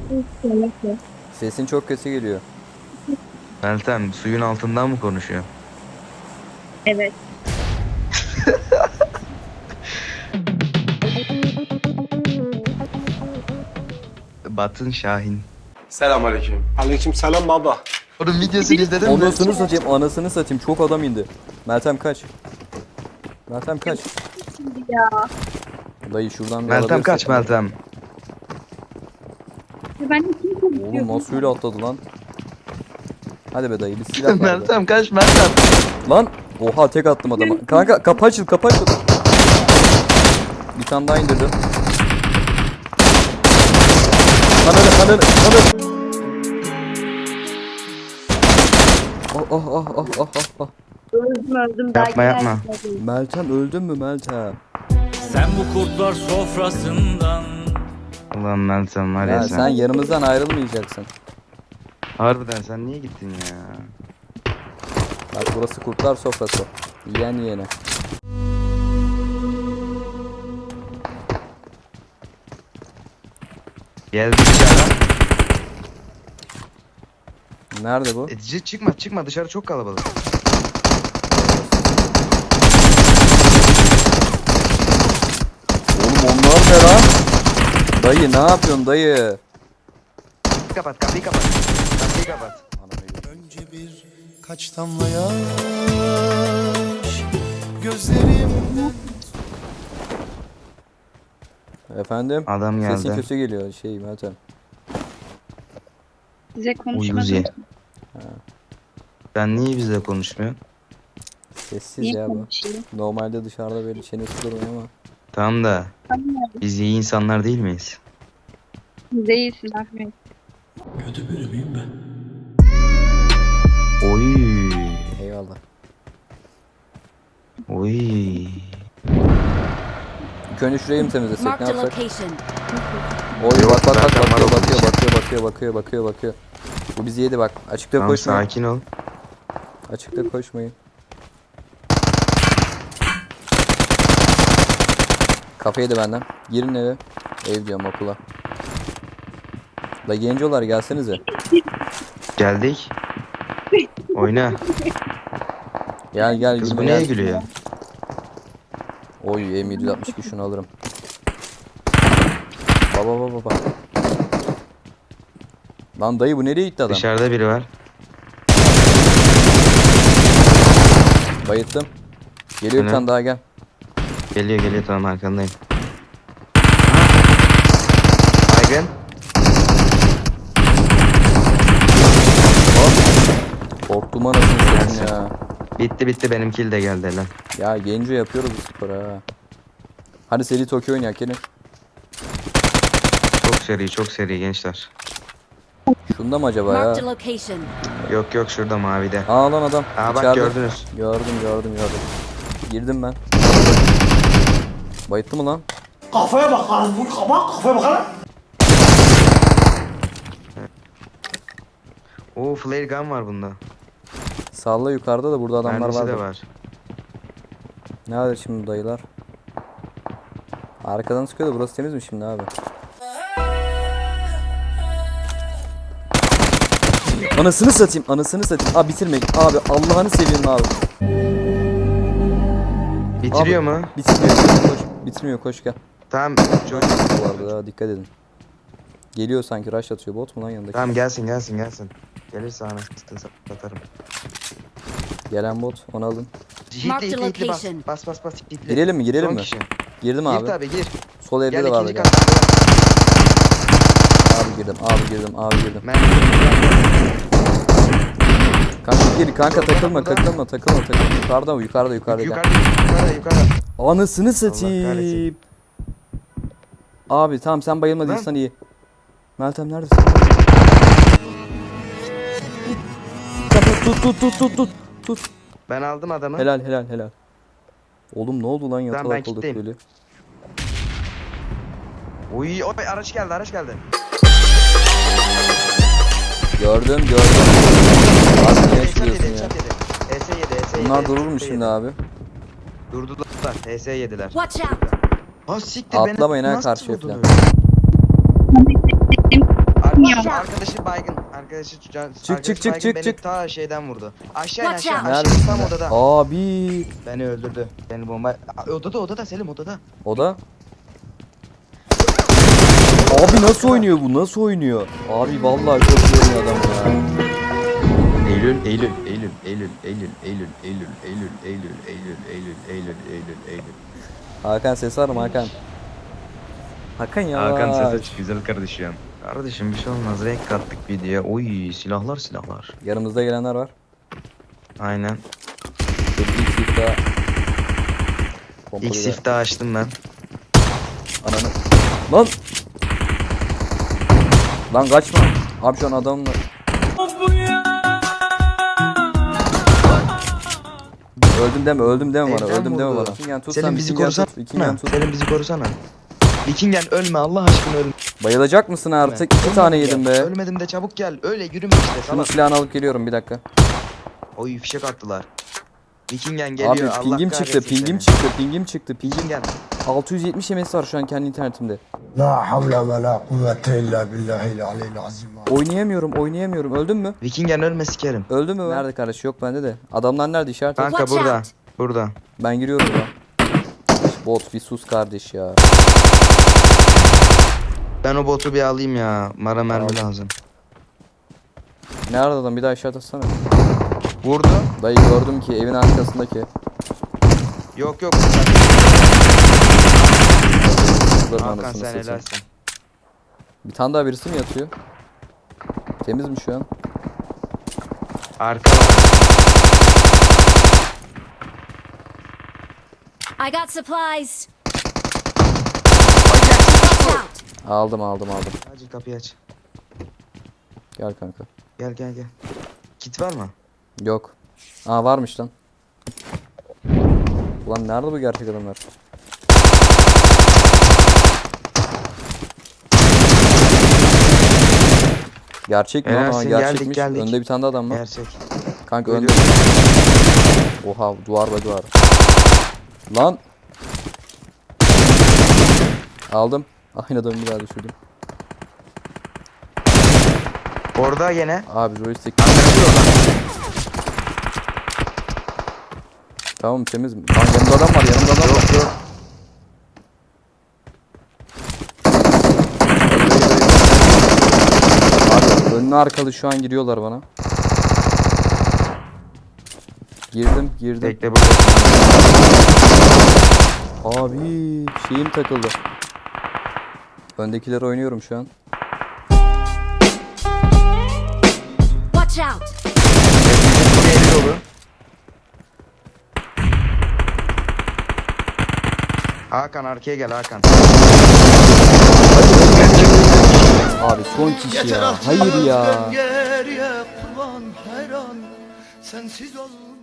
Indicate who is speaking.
Speaker 1: Sesin çok kötü geliyor.
Speaker 2: Meltem suyun altından mı konuşuyor?
Speaker 3: Evet.
Speaker 2: Batın Şahin.
Speaker 4: Selamünaleyküm.
Speaker 5: Aleykümselam baba.
Speaker 2: Onun videosunu izledin mi?
Speaker 1: Anasını satayım, anasını satayım. Çok adam indi. Meltem kaç. Meltem kaç.
Speaker 3: Ya.
Speaker 1: Dayı şuradan bir
Speaker 2: Meltem
Speaker 1: alabilirsin.
Speaker 2: kaç Meltem?
Speaker 3: Ben de kim konuşuyor?
Speaker 1: Oğlum nasıl öyle atladı lan? Hadi be dayı bir silah ver be.
Speaker 2: Meltem kaç Meltem?
Speaker 1: Lan oha tek attım adama. Kanka kapı açıl kapı açıl. Bir tane daha indirdim. Ananı. Oh.
Speaker 3: Öldüm.
Speaker 2: Yapma, yapma.
Speaker 1: Meltem öldün mü Meltem?
Speaker 6: Sen bu kurtlar sofrasından
Speaker 2: Ulan Meltem var ya
Speaker 1: Ya
Speaker 2: sen.
Speaker 1: sen yanımızdan ayrılmayacaksın.
Speaker 2: Harbiden sen niye gittin ya?
Speaker 1: Bak burası kurtlar sofrası. Yiyen yiyene.
Speaker 2: Geldi dışarıdan.
Speaker 1: Nerede bu?
Speaker 2: Çıkma dışarı çok kalabalık.
Speaker 1: Oğlum onlar ne lan? Dayı ne yapıyorsun dayı?
Speaker 2: Kapıyı kapat. Kapıyı kapat.
Speaker 7: Önce birkaç damla yaş gözlerimden.
Speaker 1: Efendim?
Speaker 2: Adam geldi.
Speaker 1: Sesin kötü geliyor Meltem.
Speaker 3: Size
Speaker 2: Uyuz
Speaker 3: konuşmadım.
Speaker 2: ye. Sen niye bizle konuşmuyorsun?
Speaker 1: Sessiz
Speaker 3: Niye
Speaker 1: ya bu.
Speaker 3: konuşayım?
Speaker 1: Normalde dışarıda böyle çenesi duruyor ama.
Speaker 2: Tamam da
Speaker 3: Tamam.
Speaker 2: biz iyi insanlar değil miyiz?
Speaker 3: Siz de iyisiniz Ahmet.
Speaker 7: Kötü biri miyim ben?
Speaker 2: Oy.
Speaker 1: Eyvallah.
Speaker 2: Oy.
Speaker 1: İlk önce şurayı mı temizlesek ne
Speaker 8: Marked a
Speaker 1: yapsak?
Speaker 8: location.
Speaker 1: Oy
Speaker 2: Yok,
Speaker 1: bak
Speaker 2: zaten var o
Speaker 1: bakıyor. Bu bizi yedi bak. Açıkta
Speaker 2: Tamam
Speaker 1: koşmayın.
Speaker 2: sakin ol.
Speaker 1: Açıkta koşmayın. Kafa yedi benden. Girin eve. Ev diyorum okula. La gencolar gelsenize.
Speaker 2: Geldik. Oyna.
Speaker 1: Gel
Speaker 2: Kız
Speaker 1: gülme
Speaker 2: bu neye
Speaker 1: gel.
Speaker 2: gülüyor?
Speaker 1: Oy M762 şunu alırım. Baba. Lan dayı bu nereye gitti adam?
Speaker 2: Dışarıda biri var.
Speaker 1: Bayıttım. Geliyor bir
Speaker 2: Hı.
Speaker 1: tane daha gel.
Speaker 2: Geliyor tamam arkandayım. Baygın.
Speaker 1: Korktum anasını satayım
Speaker 2: Gelsin.
Speaker 1: ya.
Speaker 2: Bitti benim kill de geldi lan.
Speaker 1: Ya genco yapıyoruz bu sporu ha. Hadi seri Tokyo oynayak gelin.
Speaker 2: Çok seri gençler.
Speaker 1: Şunda mı acaba ya?
Speaker 8: Marked a location.
Speaker 2: Yok şurada mavide.
Speaker 1: Aa lan adam.
Speaker 2: Aa bak
Speaker 1: İçeride.
Speaker 2: gördünüz.
Speaker 1: Gördüm. Girdim ben. Bayıttı mı lan?
Speaker 5: Kafaya bak lan bu kafaya bak lan.
Speaker 2: Oo flare gun var bunda.
Speaker 1: Salla yukarıda da burada adamlar
Speaker 2: Mermisi
Speaker 1: var.
Speaker 2: de var.
Speaker 1: Nerede şimdi dayılar? Arkadan sıkıyor da burası temiz mi şimdi abi? Anasını satayım. Abi bitirmeyin. Abi Allah'ını seveyim abi.
Speaker 2: Bitiriyor
Speaker 1: Abi,
Speaker 2: mu?
Speaker 1: Bitmiyor koş gel.
Speaker 2: Tamam. Çok...
Speaker 1: Bu arada daha dikkat edin. Geliyor sanki rush atıyor bot mu lan yanındaki?
Speaker 2: Tamam gelsin. Gelirse anasını satarım.
Speaker 1: Gelen bot onu alın.
Speaker 8: Marked
Speaker 2: Hitli bas.
Speaker 8: location.
Speaker 2: Bas hitli.
Speaker 1: Girelim mi
Speaker 2: Son
Speaker 1: mi?
Speaker 2: kişi.
Speaker 1: Girdim
Speaker 2: Gir
Speaker 1: abi.
Speaker 2: tabi gir.
Speaker 1: Sol evde
Speaker 2: Gel
Speaker 1: de vardı
Speaker 2: ikinci
Speaker 1: gel.
Speaker 2: kat.
Speaker 1: Abi girdim.
Speaker 2: Ben...
Speaker 1: Kanka takılma. Yukarıda gel.
Speaker 2: Yukarıda.
Speaker 1: Anasını
Speaker 2: kahretsin.
Speaker 1: satayım. Abi tamam sen bayılmadıysan iyi. Meltem neredesin? Tut.
Speaker 2: Ben aldım adamı.
Speaker 1: Helal. Oğlum ne oldu lan
Speaker 2: ben
Speaker 1: yatalak olduk
Speaker 2: kitleyim.
Speaker 1: böyle.
Speaker 2: Oy araç geldi.
Speaker 1: Gördüm. Abi ne yaşıyorsun ya?
Speaker 2: HS7.
Speaker 1: Bunlar durur mu şimdi abi?
Speaker 2: Durdular. HS yediler.
Speaker 8: Watch out.
Speaker 2: Ha siktir
Speaker 1: Atlamayın ha
Speaker 2: nasıl
Speaker 1: karşıya
Speaker 2: vurdun
Speaker 1: falan.
Speaker 2: öyle? Arkadaşı baygın. Arkadaşı can.
Speaker 1: Çık,
Speaker 2: arkadaşı
Speaker 1: çık, çık,
Speaker 2: baygın,
Speaker 1: çık,
Speaker 2: beni
Speaker 1: çık.
Speaker 2: ta şeyden vurdu. Aşağı in
Speaker 4: Watch
Speaker 2: aşağı.
Speaker 4: out.
Speaker 2: Aşağı
Speaker 1: Neredesin
Speaker 2: tam
Speaker 1: be?
Speaker 2: odada.
Speaker 1: Abi.
Speaker 2: Beni öldürdü. Beni bomba. Odada Selim odada.
Speaker 1: O da. Abi nasıl oynuyor bu? Nasıl oynuyor? Abi vallahi çok iyi oynuyor adam ya.
Speaker 2: Eylül.
Speaker 1: Hakan ses var mı Hakan? Hakan ya.
Speaker 2: Hakan ses aç güzel kardeşim. Kardeşim bir şey olmaz. Renk kattık videoya. Oy silahlar.
Speaker 1: Yanımızda gelenler var.
Speaker 2: Aynen.
Speaker 1: İlk siftah.
Speaker 2: İlk siftahı açtım ben.
Speaker 1: Ananı. Lan. Lan kaçma. Abi şu an adamla. Öldüm deme bana.
Speaker 2: Evden
Speaker 1: Öldüm deme
Speaker 2: vurdu.
Speaker 1: bana. Vikingen tut
Speaker 2: Selim
Speaker 1: sen,
Speaker 2: bizi
Speaker 1: Vikingen
Speaker 2: korusana.
Speaker 1: tut, Vikingen tut.
Speaker 2: Selim bizi korusana. Vikingen ölme Allah aşkına ölme.
Speaker 1: Bayılacak mısın artık? 2 tane yedim be.
Speaker 2: Ölmedim de çabuk gel. Öyle yürüme işte
Speaker 1: Şunun
Speaker 2: salak.
Speaker 1: silahını alıp geliyorum bir dakika.
Speaker 2: Oy fişek attılar. Vikingen geliyor.
Speaker 1: Abi
Speaker 2: Allah
Speaker 1: pingim çıktı,
Speaker 2: kahretsin
Speaker 1: pingim
Speaker 2: seni.
Speaker 1: çıktı, pingim çıktı, pingim.
Speaker 2: Vikingen.
Speaker 1: 670 MS var şu an kendi internetimde.
Speaker 7: La havle ve la kuvvete illa billahil aliyyil azim.
Speaker 1: Oynayamıyorum. Öldün mü?
Speaker 2: Vikingen ölme sikerim.
Speaker 1: Öldün mü? Nerede kardeş? Yok bende de. Adamlar nerede işaret et.
Speaker 2: Kanka
Speaker 4: Watch
Speaker 2: burada.
Speaker 4: out.
Speaker 2: Burada.
Speaker 1: Ben giriyorum ya. Bot bir sus kardeş ya.
Speaker 2: Ben o botu bir alayım ya. Mara mermi
Speaker 1: Al.
Speaker 2: lazım.
Speaker 1: Nerede adam? Bir daha işaret atsana.
Speaker 2: Vurdu.
Speaker 1: Dayı gördüm ki evin arkasındaki.
Speaker 2: Yok.
Speaker 1: Kızların
Speaker 2: Hakan
Speaker 1: anasını
Speaker 2: sen
Speaker 1: satayım.
Speaker 2: helalsin.
Speaker 1: Bir tane daha birisi mi yatıyor? Temiz mi şu an?
Speaker 2: Arka var.
Speaker 4: I got supplies. Watch out.
Speaker 1: Aldım.
Speaker 2: Acil kapıyı aç.
Speaker 1: Gel kanka.
Speaker 2: Gel. Kit var mı?
Speaker 1: Yok. Aa varmış lan. Ulan nerede bu gerçek adamlar? Gerçek mi lan? Aa,
Speaker 2: Helalsin,
Speaker 1: gerçekmiş.
Speaker 2: geldik.
Speaker 1: Önde bir tane de adam var.
Speaker 2: Gerçek.
Speaker 1: Kanka önde.
Speaker 2: Geliyorum.
Speaker 1: Oha duvar. Lan. Aldım. Aynı adamı bir daha düşürdüm.
Speaker 2: Orada yine.
Speaker 1: Abi joystick. Tamam temiz mi? Lan yanımda adam var.
Speaker 2: Yok.
Speaker 1: Abi önlü arkalı şu an giriyorlar bana. Girdim.
Speaker 2: Bekle burada.
Speaker 1: Abi şeyim takıldı. Öndekileri oynuyorum şu an.
Speaker 4: Watch out.
Speaker 2: Eli dolu. Hakan arkaya gel Hakan.
Speaker 1: Abi son kişi ya. Hayır ya.
Speaker 7: Geriye kurban her an sensiz ol.